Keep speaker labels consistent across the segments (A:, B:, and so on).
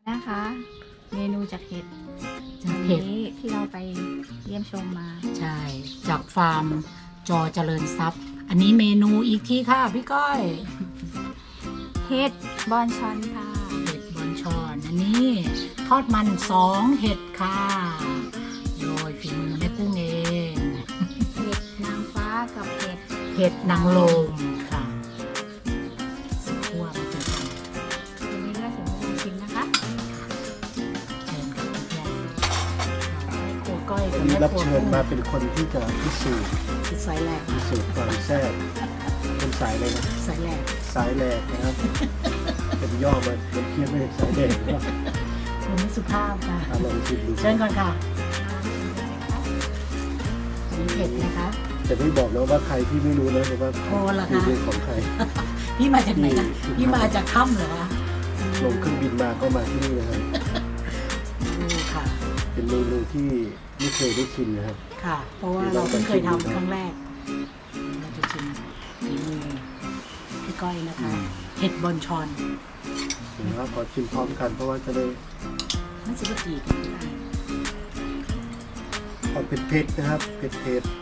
A: นะคะเมนูจากเห็ด
B: จากเห็ด
A: นี้ที่เราไปเยี่ยมชมมา
B: ใช่จากฟาร์มจอเจริญทรัพย์ อันนี้เมนูอีกที่ค่ะพี่ก้อย
A: เห็ดบอนชอนค่ะ
B: เห็ดบอนชอนอันนี้ทอดมัน2เห็ดค่ะโดยฝีมือแม่กุ้งเอง
A: เห็ดนางฟ้ากับเห็ด
B: เห็ดนางลมค่ะสุดขั้วมาเจอกัน
A: วันนี้ก็ถึงเวลาชิมนะคะ
B: เชิญกับเพื่อนๆแม่ครัวก้อยกับ
C: วันนี้
B: แม่
C: รับ
B: ครัว
C: เชิญ
B: กุ้ง
C: มาเป็นคนที่จะพิสูจน์
B: คือสายแหลก
C: ความแซ่บเป็นสายอะไรนะ
B: สายแหลก
C: สายแหลกนะครับ เป็นย่อมาเป็นเพี้ยนไม่ใช่สายแดงว่า
B: คุณไม่สุภาพค่ะ
C: ลองชิมดู
B: เชิญก่อนค่ะมีเผ็ดนะคะ
C: จะไม่บอกนะว่าใครที่ไม่รู้นะแต่ว่า
B: โอ้เหรอคะ
C: คือเป็นของใคร
B: พี่มาจากไหนนะ
C: ที่
B: พี่มาจากถ้ำเหรอคะ
C: ลงเครื่องบินมาก็มาที่นี่นะครับ
B: ดูค่ะ
C: เป็นเมนูที่ไม่เคยได้ชิมนะครับ
B: ค่ะ เพราะว่าเราเพิ่งเคยทำครั้งแรก เราจะชิมฝีมือพี่ก้อยนะคะ เห็ดบอนชอน
C: นะครับขอชิมพร้อมกันเพราะว่าจะได้
B: มันจะกี่กันได้
C: ความเผ็ดๆนะครับเผ็ดเผ็ด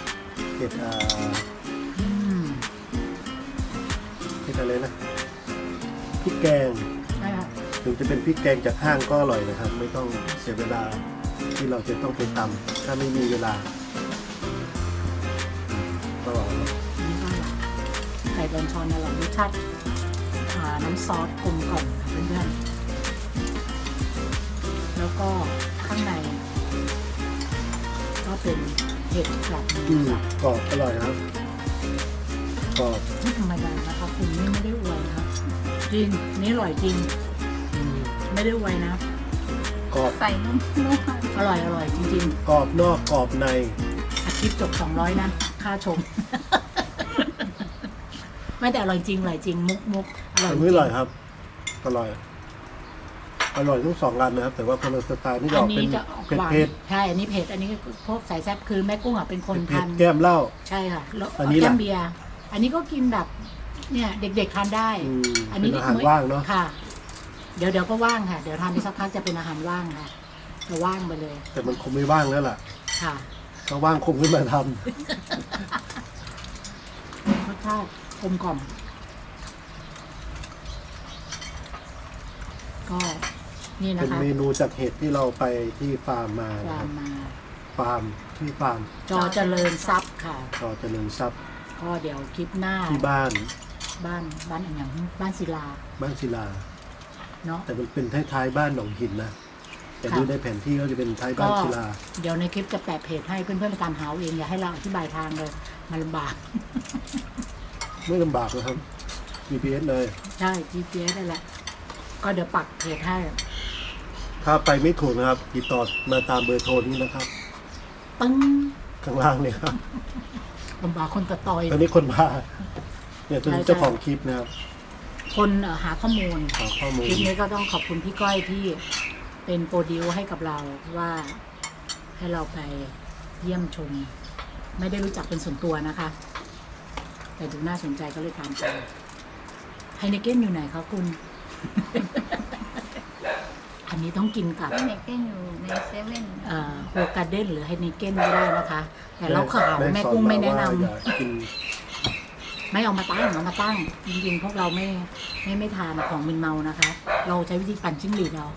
B: อืม
C: เผ็ดอะไรนะพริกแกง
B: ใช่ค่ะ
C: ถึงจะเป็นพริกแกงจากห้างก็อร่อยนะครับ ไม่ต้องเสียเวลาที่เราจะต้องไปตำถ้าไม่มีเวลาก็อร่อยครับ
B: นี่ก็ไก่บอนชอนอร่อยรสชาติน้ำซอสกลมกล่อมค่ะเพื่อนๆแล้วก็ข้างใน ก็เป็นเห็ดกับหมู สับ
C: กรอบอร่อยนะครับกรอบ
B: ไม่ธรรมดานะคะคุณนี่ไม่ได้อวยนะคะจริงนี่อร่อยจริง ไม่ได้อวยนะ
C: กรอบ
A: ใส่นุ่ม
B: อร่อยจริง
C: กรอบนอกกรอบใน
B: ๆอาทิตย์จบ200นะค่าชม ไม่แต่อร่อยจริงอร่อยจริงมุกอร่อย
C: อัน
B: จริ
C: นี้
B: ง
C: อร่อยครับอร่อยทั้งสองร้านนะครับ แต่ว่าคนละสไตล์นี่
B: อั
C: อน อกเป็
B: นี้
C: น
B: จะออกหวาน
C: เผ็ด
B: ใช่อันนี้เผ็ดอันนี้พวกสายแซ่บคือแม่กุ้งอ่ะเป็นคน
C: เผ็
B: ทา
C: ด
B: น
C: แก้มเหล้า
B: ใช่ค่ะแล้ว
C: อันนี้ล่ะ
B: แก้มเบียร์อันนี้ก็กินแบบเนี่ยเด็กๆทานได้ อัน
C: เป็
B: นี้
C: นอาหารว่างเนาะ
B: ค่ะ เดี๋ยวก็ว่างค่ะ เดี๋ยวทานไปสักพักจะเป็นอาหารว่างค่ะจะว่างไปเลย
C: แต่มันคงไม่ว่างแล้วล่ะ
B: ค่ะ
C: ถ้าว่างคงขึ้นมาทำ
B: รสชาติกลมกล่อมก็นี่นะ
C: เป็น
B: คะ
C: เมนูจากเห็ดที่เราไปที่ฟาร์มมานะ
B: วา
C: ครั
B: ง
C: บ
B: มา
C: ฟาร์มที่ฟาร์ม
B: จอเจริญทรัพย์ค่ะ
C: ก็เจริญทรัพย์
B: ก็เดี๋ยวคลิปหน้า
C: ที่บ้าน
B: บ้านอันอย่างบ้านศิลา
C: บ้านศิลา
B: เนาะ
C: แต่มันเป็นท้ายๆบ้านหนองหินนะแต่
B: ค่ะ
C: ดูในแผนที่ก็จะเป็นท้ายบ้า
B: ก็
C: นศิลา
B: เดี๋ยวในคลิปจะแปะเพจให้เพื่อนๆไปตามหาเอาเองอย่าให้เราอธิบายทางเลยมันลำบาก
C: ไม่ลำบากนะครับ GPS เลย
B: ใช่ GPS นั่นแหละ ก็เดี๋ยวปักเพจให้
C: ถ้าไปไม่ถูกนะครับ ติดต่อมาตามเบอร์โทรนี้นะครับ
B: ตึ้ง
C: ข้างล่างเนี่ยครับ
B: ลำบากคนตะตอย
C: ตอนนี้คนพาเนี่ยตัว
B: ใช่
C: เจ้าของคลิปนะครับ
B: คนหาข้อมูล
C: ขอข้อมูล
B: คลิปนี้ก็ต้องขอบคุณพี่ก้อยที่เป็นโปรดิวให้กับเราว่าให้เราไปเยี่ยมชม ไม่ได้รู้จักเป็นส่วนตัวนะคะ แต่ดูน่าสนใจก็เลยตามไปไฮเนเก้นอยู่ไหนคะคุณ อันนี้ต้องกินกับ
A: เด็กเต้นอยู่ในเซเว่น
B: โฮการ์เด้นหรือไฮเนเก้นก็ได้นะคะ แต่เราขาวแม่กุ้งไม่แนะนำ
C: อย่ากิน
B: ไม่เอามาตั้งเอามาตั้ง จริงๆ พวกเราไม่ทานของมึนเมานะคะ เราใช้วิธีปั่นจิ้งหรีดเอา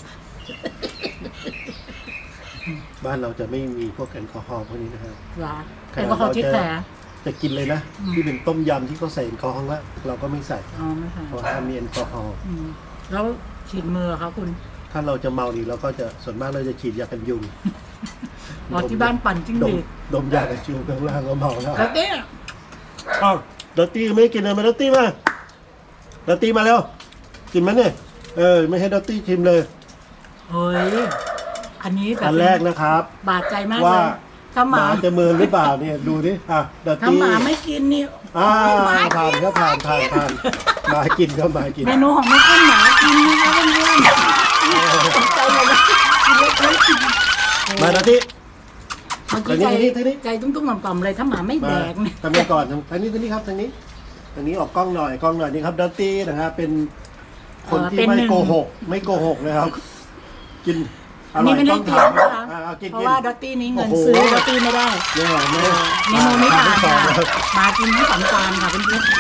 C: บ้านเราจะไม่มีพวกแอลกอฮอล์พวกนี้นะครับ
B: เหรอแอลกอฮอล์เช็ดแผล
C: จะกินเลยนะ
B: อืม
C: ที่เป็นต้มยำที่เขาใส่แอลกอฮอล์แล้วเราก็ไม่ใส่
B: อ๋อไม่ค่ะ
C: เพราะถ้ามีแอลกอฮอล์
B: แล้วฉีดมือคะคุณ
C: ถ้าเราจะเมาดีเราก็จะส่วนมากเราจะฉีดยากันยุง
B: อ๋อที่บ้านปั่นจิ้งหรีด
C: ดมยากันยุงข้างล่างก็เมาแล้ว
B: แล้วเนี่ย
C: อ้าวดอตตี้ไม่กินเลยมาดอตตี้มาดอตตี้มาแล้วกินไหมเนี่ยไม่ให้ดอตตี้ชิมเลย
B: เฮ้ย อันนี้แบบ
C: อันแรกนะครับ
B: บาดใจมากเล
C: ว่าย
B: ถ้าห
C: ห
B: มา
C: มาจะเมินหรือเปล่าเนี่ยดูดิอ่ะดอต
B: ถ้า
C: ตี้
B: หมาไม่กินนี่ หมา
C: ผ่าน
B: กิน
C: ก็ผ่านหมากินก็หมากิน
B: เมนูของแม่กุ้งหมากินนะคะเพื่อนๆตกใจเลยนะกินเล็ก
C: มาดอตตี้
B: เมื่อกี้
C: ทางนี้
B: ใจตุ้มๆต่อมๆเลยถ้าหมาไม่
C: มา
B: แดกเนี่ย
C: ทำไมก่อนทางนี้ครับทางนี้ออกกล้องหน่อยนี่ครับดอตตี้นะครับเป็นคนที่ไม่โกหกนะครับกินอ
B: อัน
C: ร่อ
B: นี้
C: ย
B: ไม่ได้
C: ต้อง
B: เตรีย
C: ถาม ม
B: นะคะ
C: กิน
B: เพราะ
C: กิน
B: ว่าดอตตี้นี้เงิน
C: โอ้โห
B: ซื้อดอตตี้ไม่ได้
C: เนี่ยแม่
B: เมนูนี้ผ่าน
C: ที่สอง
B: ค่ะ
C: แล้ว
B: มากินทั้งสองจานค่ะเพื่อนๆ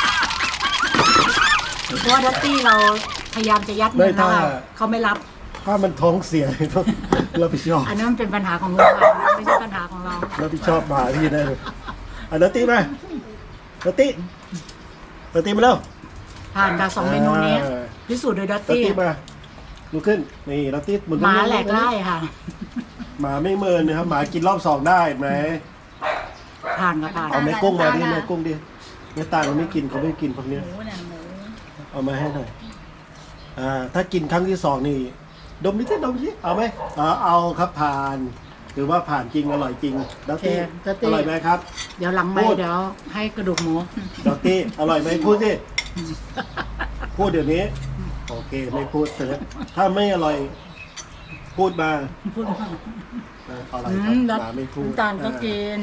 B: เพราะว่าดอตตี้เราพยายามจะยัดเงินแล้วค่ะเขาไม่รับ
C: ถ้ามันท้องเสียต้องรับผิดชอบ
B: อันนั้นมันเป็นปัญหาของลูกค่ะไม่ใช่ปัญหาของเรา
C: รับผิดชอบมาพี่ได้เลยดอตตี้มาดอตตี้มาแล้ว
B: ผ่านจากสองเมนูนี้
C: อ่า
B: พิสูจน์โดยดอต
C: ดอต
B: ตี้
C: ตี้มาลุกขึ้นนี่ดอตตี้หมุน
B: หมาแหลกไล่ค่ะ
C: หมาไม่เมินนะครับหมากินรอบสองได้ไหม
B: ผ่านค่ะผ่าน
C: เอาแม่กุ้งมาดิแม่กุ้งดิแม่ตาเขาไม่กินพวกเนี้ย
A: หมูน่ะหมู
C: เอามาให้หน่อยถ้ากินครั้งที่สองนี่ดมนิดสิเอาไหมเอาครับผ่านหรือว่าผ่านจริงอร่อยจริงดอตตี้อร่อยไหมครับ
B: เดี๋ยวหลังไม่
C: พูด
B: เดี๋ยวให้กระดูกหมู
C: ดอตตี้อร่อยไหมพูดสิพูดเดี๋ยวนี้โอเคไม่พูดเสร็จถ้าไม่อร่อยพูดมา
B: พูดมา
C: อร่อยครับหมาไม่พูด
B: น้ำตาลก็กิน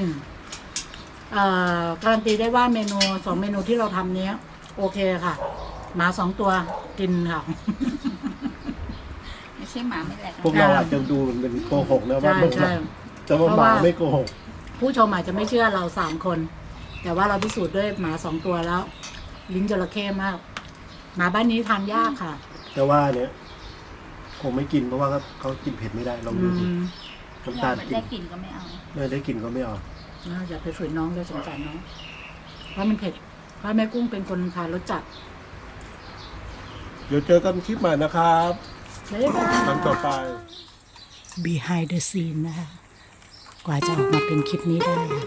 B: การันตีได้ว่าเมนูสองเมนูที่เราทำเนี้ย โอเคค่ะ หมาสองตัวกินค่ะ
A: ไม่ใช่หมาไม่แหลก
C: พวกเราอาจจะดูเป็นโกหกนะว่า
B: ใช่
C: มัน
B: ใช่
C: จะว่าหมาไม่โกหก
B: ผู้ชมอาจจะไม่เชื่อเราสามคน แต่ว่าเราพิสูจน์ด้วยหมาสองตัวแล้ว ลิ้นจระเข้มาก หมาบ้านนี้ทานยากค่ะ
C: แต่ว่าเนี่ยคงไม่กินเพราะว่าเขากินเผ็ดไม่ได้ลอง
B: อื
C: ดูสิ
B: ม
C: น้ำตาลกิน
A: ได้กลิ่นก็ไม่เอา
C: ได้กินก็ไม่เอา
B: อย่าไปฝืนน้องเลยสงสารน้อง เพราะมันเผ็ด เพราะแม่กุ้งเป็นคนทานรสจัด
C: เดี๋ยวเจอกันคลิปใหม่นะครับ
B: บ๊ายบาย
C: ครั้งต่อไป
B: behind the scene นะคะ กว่าจะออกมาเป็นคลิปนี้ได้ค่ะ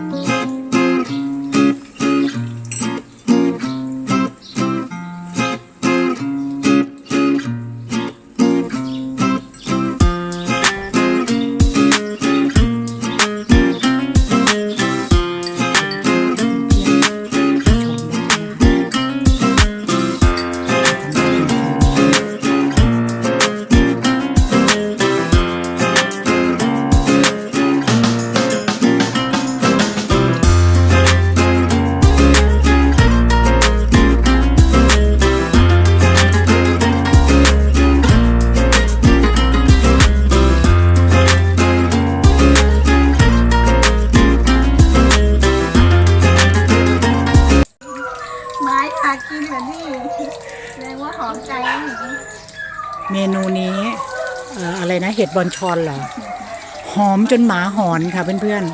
A: ไม้อยากกินแบบนี้แสดงว่าหอมใจนะหนู
B: เมนูนี้อะไรนะ เห็ดบอนชอนเหรอ หอมจนหมาหอนค่ะเพื่อน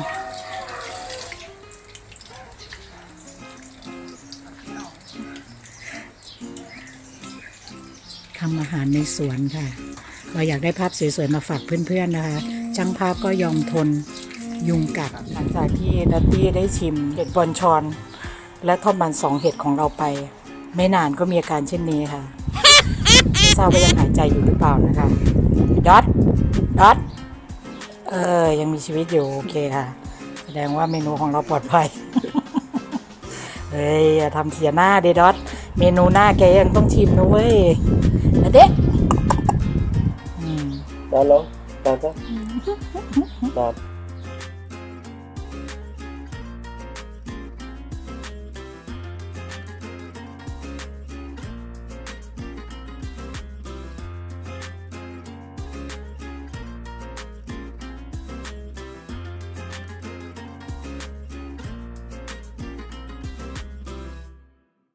B: ๆทำอาหารในสวนค่ะ เราอยากได้ภาพสวยๆมาฝากเพื่อนๆนะคะช่างภาพก็ยอมทนยุงกัดหลังจากที่ดัตตี้ได้ชิมเห็ดบอนชอน และทอดมัน2เห็ดของเราไป ไม่นานก็มีอาการเช่นนี้ค่ะ ไม่ทราบว่ายังหายใจอยู่หรือเปล่านะคะดอทยังมีชีวิตอยู่โอเคค่ะ แสดงว่าเมนูของเราปลอดภัย เฮ้ยอย่าทำเสียหน้าเดดอทเมนูหน้าแกยังต้องชิมนะเว้ยนะเด็ก
C: ตอนแล้วตอน